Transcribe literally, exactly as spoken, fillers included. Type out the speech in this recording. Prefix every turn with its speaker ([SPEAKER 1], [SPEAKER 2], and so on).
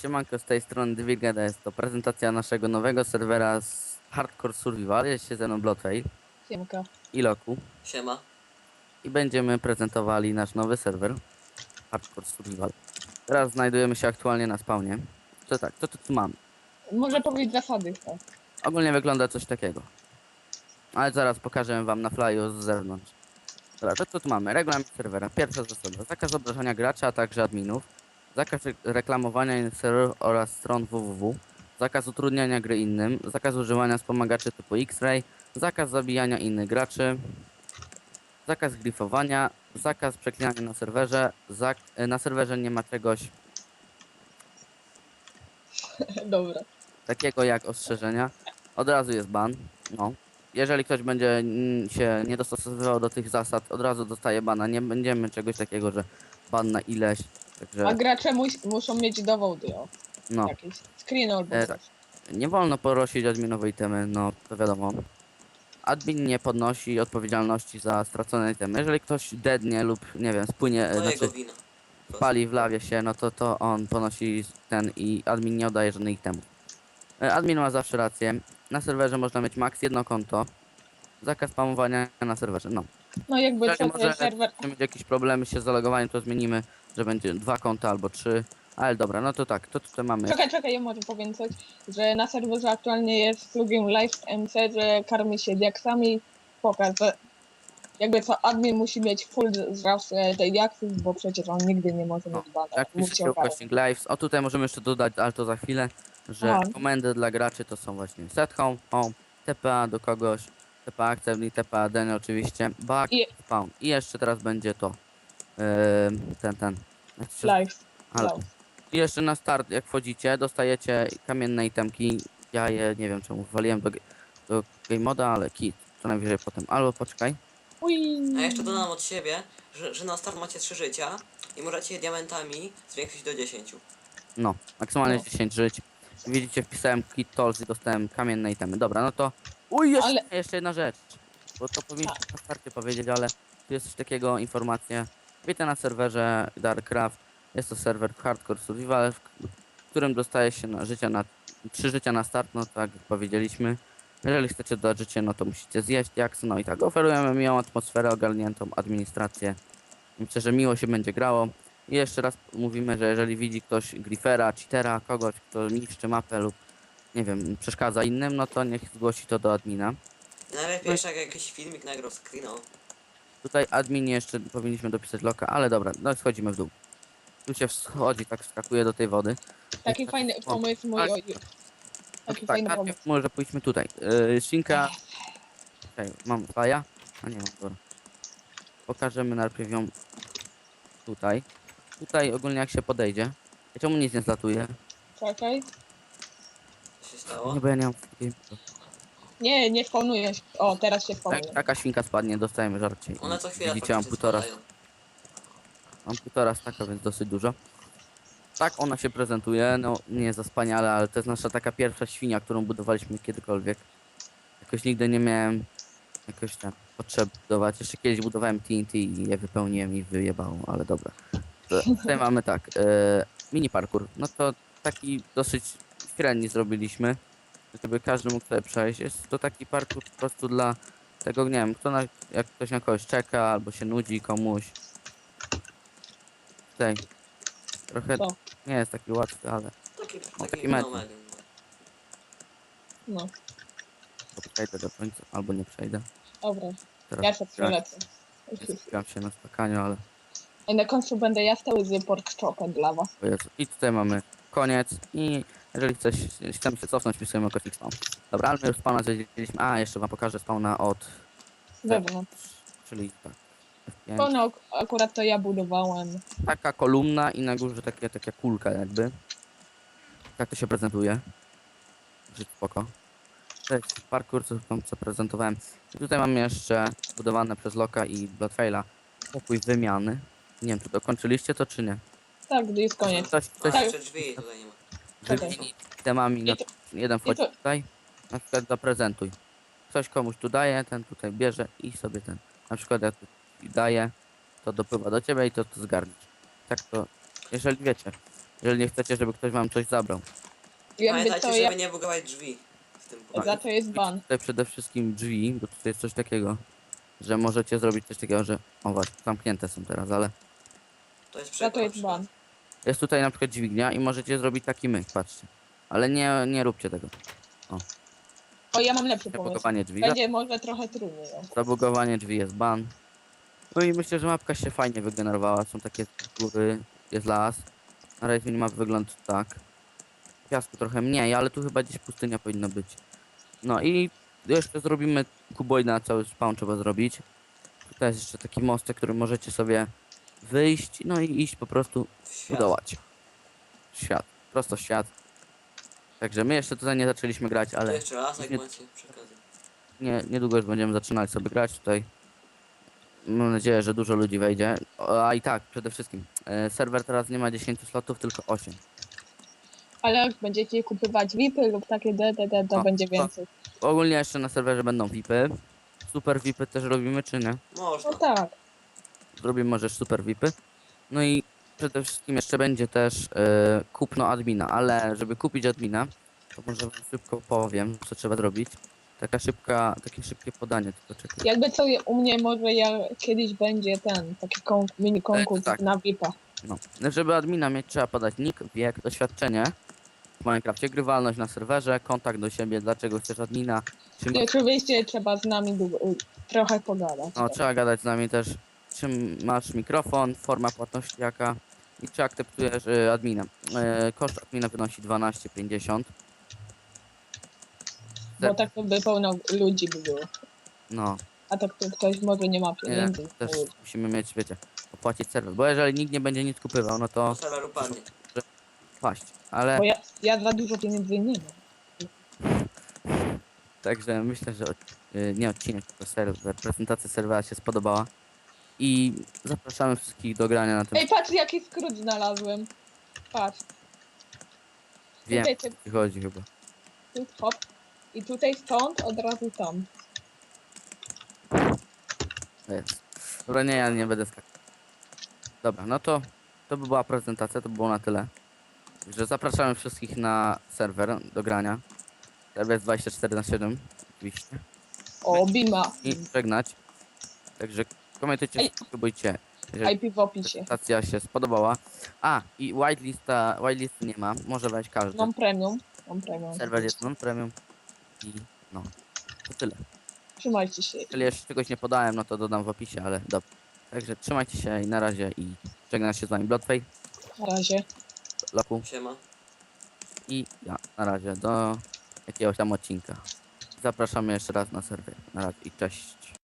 [SPEAKER 1] Siemanko, z tej strony Dwigeda, jest to prezentacja naszego nowego serwera z Hardcore Survival. Jest się ze mną Bloodfail
[SPEAKER 2] Siemka.
[SPEAKER 1] i Loku
[SPEAKER 3] Siema.
[SPEAKER 1] i będziemy prezentowali nasz nowy serwer Hardcore Survival. Teraz znajdujemy się aktualnie na spawnie. To tak, to, to tu mamy.
[SPEAKER 2] Może powiedzieć zasady, tak.
[SPEAKER 1] Ogólnie wygląda coś takiego. Ale zaraz pokażę wam na flyu z zewnątrz. Dobra, to co tu mamy? Regulamin serwera. Pierwsza zasada. Zakaz obrażania gracza, a także adminów. Zakaz re- reklamowania innych serwerów oraz stron www. Zakaz utrudniania gry innym. Zakaz używania wspomagaczy typu X-Ray. Zakaz zabijania innych graczy. Zakaz glifowania. Zakaz przeklinania na serwerze. Zak e, na serwerze nie ma czegoś
[SPEAKER 2] Dobra.
[SPEAKER 1] takiego jak ostrzeżenia. Od razu jest ban. No. Jeżeli ktoś będzie mm, się nie dostosowywał do tych zasad, od razu dostaje bana. Nie będziemy czegoś takiego, że ban na ileś. Także
[SPEAKER 2] A gracze mus muszą mieć dowody, o.
[SPEAKER 1] no.
[SPEAKER 2] Jakieś screen albo
[SPEAKER 1] E,
[SPEAKER 2] coś.
[SPEAKER 1] Nie wolno porosić adminowej itemy, no to wiadomo. Admin nie podnosi odpowiedzialności za stracone itemy. Jeżeli ktoś dednie lub nie wiem, spłynie, e,
[SPEAKER 3] To
[SPEAKER 1] znaczy
[SPEAKER 3] jego wina.
[SPEAKER 1] spali w lawie się, no to to on ponosi ten i admin nie oddaje żadnych itemów. E, Admin ma zawsze rację. Na serwerze można mieć maks jedno konto. Zakaz spamowania na serwerze, no.
[SPEAKER 2] No jakby
[SPEAKER 1] Jeżeli
[SPEAKER 2] co,
[SPEAKER 1] może
[SPEAKER 2] to serwer...
[SPEAKER 1] mieć jakieś problemy się z zalogowaniem, to zmienimy, że będzie dwa konta albo trzy. Ale dobra, no to tak, to tutaj mamy.
[SPEAKER 2] Czekaj, czekaj, ja może powiem coś, że na serwerze aktualnie jest plugin Live M C, że karmi się diaksami. Pokaż, że jakby co, admin musi mieć full zraz e, tej diaksów, bo przecież on nigdy nie może
[SPEAKER 1] No,
[SPEAKER 2] mieć bana.
[SPEAKER 1] jak
[SPEAKER 2] Musi
[SPEAKER 1] piszecie
[SPEAKER 2] ogarnąć.
[SPEAKER 1] ukośnik lives. O, tutaj możemy jeszcze dodać, ale to za chwilę, że
[SPEAKER 2] Aha.
[SPEAKER 1] komendy dla graczy to są właśnie set home, home, T P A do kogoś, T P A accept i T P A deny oczywiście, back,
[SPEAKER 2] I
[SPEAKER 1] spawn. I jeszcze teraz będzie to, yy, ten, ten. jak to się-
[SPEAKER 2] live.
[SPEAKER 1] Ale,
[SPEAKER 2] live.
[SPEAKER 1] I jeszcze na start, jak wchodzicie, dostajecie kamienne itemki. Ja je, nie wiem czemu, waliłem do, ge- do game moda, ale kit, co najwyżej potem. Albo poczekaj.
[SPEAKER 2] Ui.
[SPEAKER 3] A jeszcze dodam od siebie, że, że na start macie trzy życia i możecie je diamentami zwiększyć do dziesięciu.
[SPEAKER 1] No, maksymalnie
[SPEAKER 2] No.
[SPEAKER 1] dziesięć żyć. Widzicie, wpisałem kit tools i dostałem kamienne itemy. Dobra, no to... Uj, jeszcze,
[SPEAKER 2] Ale-
[SPEAKER 1] jeszcze jedna rzecz. Bo to powinniśmy na starcie powiedzieć, ale tu jest coś takiego, informacja. Witam na serwerze Darkcraft. Jest to serwer Hardcore Survival, w k- w którym dostaje się na życia na... trzy życia na start, no tak jak powiedzieliśmy. Jeżeli chcecie dodać życie, no to musicie zjeść jaks. No i tak, oferujemy miłą atmosferę, ogarniętą administrację. Myślę, że miło się będzie grało. I jeszcze raz mówimy, że jeżeli widzi ktoś grifera, cheatera, kogoś, kto niszczy mapę lub nie wiem, przeszkadza innym, no to niech zgłosi to do admina.
[SPEAKER 3] Najlepiej jeszcze jak jakiś filmik nagrał screena.
[SPEAKER 1] Tutaj admin jeszcze powinniśmy dopisać loka, ale dobra, no schodzimy w dół. Tu się wschodzi, tak wskakuje do tej wody.
[SPEAKER 2] Taki fajny pomysł mój, oj. Taki
[SPEAKER 1] Tak,
[SPEAKER 2] fajny
[SPEAKER 1] najpierw
[SPEAKER 2] pomysł.
[SPEAKER 1] może pójdźmy tutaj. Yy, Shinka. Czekaj, mam faja? A nie mam, dobra. Pokażemy najpierw ją tutaj. Tutaj ogólnie jak się podejdzie. I czemu nic nie zlatuje?
[SPEAKER 2] Czekaj.
[SPEAKER 3] Co się stało?
[SPEAKER 1] Nie, bo ja nie mam takiej...
[SPEAKER 2] Nie, nie spawnuje się. O, teraz się
[SPEAKER 1] Jak
[SPEAKER 2] spawnuje.
[SPEAKER 1] taka świnka spadnie, dostajemy żarcie.
[SPEAKER 3] One co chwilę
[SPEAKER 1] Widzicie, mam
[SPEAKER 3] faktycznie
[SPEAKER 1] półtora,
[SPEAKER 3] spadają.
[SPEAKER 1] mam półtora staka, więc dosyć dużo. Tak ona się prezentuje, no nie jest za wspaniale, ale to jest nasza taka pierwsza świnia, którą budowaliśmy kiedykolwiek. Jakoś nigdy nie miałem jakoś tam potrzeb budować. Jeszcze kiedyś budowałem T N T i je wypełniłem i wyjebało, ale dobra. To, tutaj mamy tak, e, mini parkour. No to taki dosyć średni zrobiliśmy, żeby każdy mógł sobie przejść. Jest to taki parkour po prostu dla tego, nie wiem, kto na, jak ktoś na kogoś czeka albo się nudzi komuś. Tutaj trochę
[SPEAKER 2] Co?
[SPEAKER 1] nie jest taki łatwy, ale
[SPEAKER 3] Taki,
[SPEAKER 1] taki
[SPEAKER 3] taki
[SPEAKER 1] metr.
[SPEAKER 3] fenomen.
[SPEAKER 2] No,
[SPEAKER 1] to przejdę do końca, albo nie przejdę.
[SPEAKER 2] dobra.
[SPEAKER 1] Teraz
[SPEAKER 2] Ja się przelecę.
[SPEAKER 1] skupiam się na skakaniu, ale
[SPEAKER 2] I na końcu będę ja stał z pork chopem dla was.
[SPEAKER 1] o Jezu. I tutaj mamy koniec i jeżeli chcesz, chcemy się cofnąć, wpisujemy kosmik spawn. Dobra, ale my już spawna zwiedziliśmy. A, jeszcze wam pokażę spawna od...
[SPEAKER 2] Wewnątrz.
[SPEAKER 1] Czyli tak. F pięć.
[SPEAKER 2] To no, akurat to ja budowałem.
[SPEAKER 1] Taka kolumna i na górze takie, taka kulka jakby. Tak to się prezentuje. Żyć spoko. To jest parkour, co, tam, co prezentowałem. I tutaj mam jeszcze budowane przez Loka i Bloodfaila pokój wymiany. Nie wiem, czy dokończyliście to, czy nie?
[SPEAKER 2] Tak, gdy jest koniec.
[SPEAKER 1] Ktoś,
[SPEAKER 3] A
[SPEAKER 1] ktoś
[SPEAKER 2] Tak.
[SPEAKER 3] jeszcze drzwi tutaj nie ma.
[SPEAKER 2] Czekaj.
[SPEAKER 1] wymieni temami, na,
[SPEAKER 2] I to-
[SPEAKER 1] jeden wchodzi
[SPEAKER 2] i to-
[SPEAKER 1] tutaj, na przykład zaprezentuj. Ktoś komuś tu daje, ten tutaj bierze i sobie ten. Na przykład jak tu daje, to dopływa do ciebie i to, to zgarniesz. Tak to, jeżeli wiecie. Jeżeli nie chcecie, żeby ktoś wam coś zabrał.
[SPEAKER 2] Jakby
[SPEAKER 3] Pamiętajcie,
[SPEAKER 2] to
[SPEAKER 3] żeby
[SPEAKER 2] ja...
[SPEAKER 3] nie bugować drzwi. Z tym
[SPEAKER 1] Tak.
[SPEAKER 2] Za to jest ban.
[SPEAKER 1] Tutaj przede wszystkim drzwi, bo tutaj jest coś takiego, że możecie zrobić coś takiego, że... O właśnie, zamknięte są teraz, ale...
[SPEAKER 3] To jest
[SPEAKER 2] Za to
[SPEAKER 3] przykład.
[SPEAKER 2] jest ban.
[SPEAKER 1] Jest tutaj na przykład dźwignia i możecie zrobić taki myk, patrzcie. Ale nie, nie róbcie tego.
[SPEAKER 2] O, ja mam lepszy pomysł.
[SPEAKER 1] Zabugowanie drzwi.
[SPEAKER 2] Będzie może trochę trudniej. o.
[SPEAKER 1] Zabugowanie drzwi jest ban. No i myślę, że mapka się fajnie wygenerowała. Są takie góry, jest las. Na razie minimap wygląda tak. Piasku trochę mniej, ale tu chyba gdzieś pustynia powinna być. No i jeszcze zrobimy kuboida, cały spawn trzeba zrobić. Tutaj jest jeszcze taki mostek, który możecie sobie wyjść, no i iść po prostu
[SPEAKER 3] W świat.
[SPEAKER 1] budować. Świat, prosto świat. Także my jeszcze tutaj nie zaczęliśmy grać,
[SPEAKER 3] To
[SPEAKER 1] ale
[SPEAKER 3] jeszcze raz, jak
[SPEAKER 1] nie-
[SPEAKER 3] macie przekazy.
[SPEAKER 1] nie, niedługo już będziemy zaczynać sobie grać tutaj. Mam nadzieję, że dużo ludzi wejdzie. O, a i tak, przede wszystkim, e, serwer teraz nie ma dziesięć slotów, tylko osiem.
[SPEAKER 2] Ale jak będziecie kupować V I P y lub takie D D D, to
[SPEAKER 1] O,
[SPEAKER 2] będzie
[SPEAKER 1] to-
[SPEAKER 2] więcej.
[SPEAKER 1] Ogólnie jeszcze na serwerze będą V I P y. Super V I P y też robimy, czy nie?
[SPEAKER 3] Można.
[SPEAKER 2] No tak.
[SPEAKER 1] Zrobimy może super V I P y. No i przede wszystkim jeszcze będzie też e, kupno admina, ale żeby kupić admina, to może wam szybko powiem, co trzeba zrobić. Taka szybka, takie szybkie podanie, tylko czekaj.
[SPEAKER 2] Jakby co u mnie może ja kiedyś będzie ten, taki kon mini konkurs
[SPEAKER 1] tak.
[SPEAKER 2] na V I P a.
[SPEAKER 1] No. Żeby admina mieć, trzeba podać nick, wiek, doświadczenie w Minecrafcie, grywalność na serwerze, kontakt do siebie, dlaczego chcesz admina, czy
[SPEAKER 2] I oczywiście trzeba z nami długo, trochę pogadać.
[SPEAKER 1] no, trzeba gadać z nami też, czym masz mikrofon, forma płatności jaka i czy akceptujesz y, admina. Y, koszt admina wynosi dwanaście pięćdziesiąt.
[SPEAKER 2] Bo tak to by pełno ludzi by było.
[SPEAKER 1] No,
[SPEAKER 2] A tak to ktoś może nie ma
[SPEAKER 1] nie,
[SPEAKER 2] pieniędzy.
[SPEAKER 1] też musimy mieć, wiecie, opłacić serwer, bo jeżeli nikt nie będzie nic kupywał, no to
[SPEAKER 3] To serwer upadnie.
[SPEAKER 1] paść. Ale
[SPEAKER 2] Bo ja, ja za dużo pieniędzy nie mam.
[SPEAKER 1] także myślę, że y, nie odcinek, tylko serwer, prezentacja serwera się spodobała i zapraszamy wszystkich do grania na tym.
[SPEAKER 2] Ej, patrz jaki skrót znalazłem. Patrz,
[SPEAKER 1] Wiem,
[SPEAKER 2] tutaj
[SPEAKER 1] o
[SPEAKER 2] ty-
[SPEAKER 1] co ci chodzi chyba.
[SPEAKER 2] tu hop. I tutaj stąd od razu tam.
[SPEAKER 1] To jest. Dobra, nie, ja nie będę skakał. Dobra, no to to by była prezentacja, to było na tyle. Także zapraszamy wszystkich na serwer do grania. Serwer jest dwadzieścia cztery na siedem, oczywiście.
[SPEAKER 2] O, Bima.
[SPEAKER 1] I żegnać. Także komentujcie,
[SPEAKER 2] Ej.
[SPEAKER 1] subskrybujcie, jeżeli
[SPEAKER 2] I P w opisie.
[SPEAKER 1] prezentacja się spodobała. A, i whitelista, whitelisty nie ma, może wejść każdy.
[SPEAKER 2] Mam premium. Mam premium.
[SPEAKER 1] Serwer jest non-premium i no, to tyle.
[SPEAKER 2] Trzymajcie się.
[SPEAKER 1] Jeżeli jeszcze czegoś nie podałem, no to dodam w opisie, ale dobra. Także trzymajcie się i na razie i żegnam się z wami Bloodfay,
[SPEAKER 2] Na razie.
[SPEAKER 1] Loku
[SPEAKER 3] Siema.
[SPEAKER 1] i ja na razie do jakiegoś tam odcinka. Zapraszamy jeszcze raz na serwer. Na razie i cześć.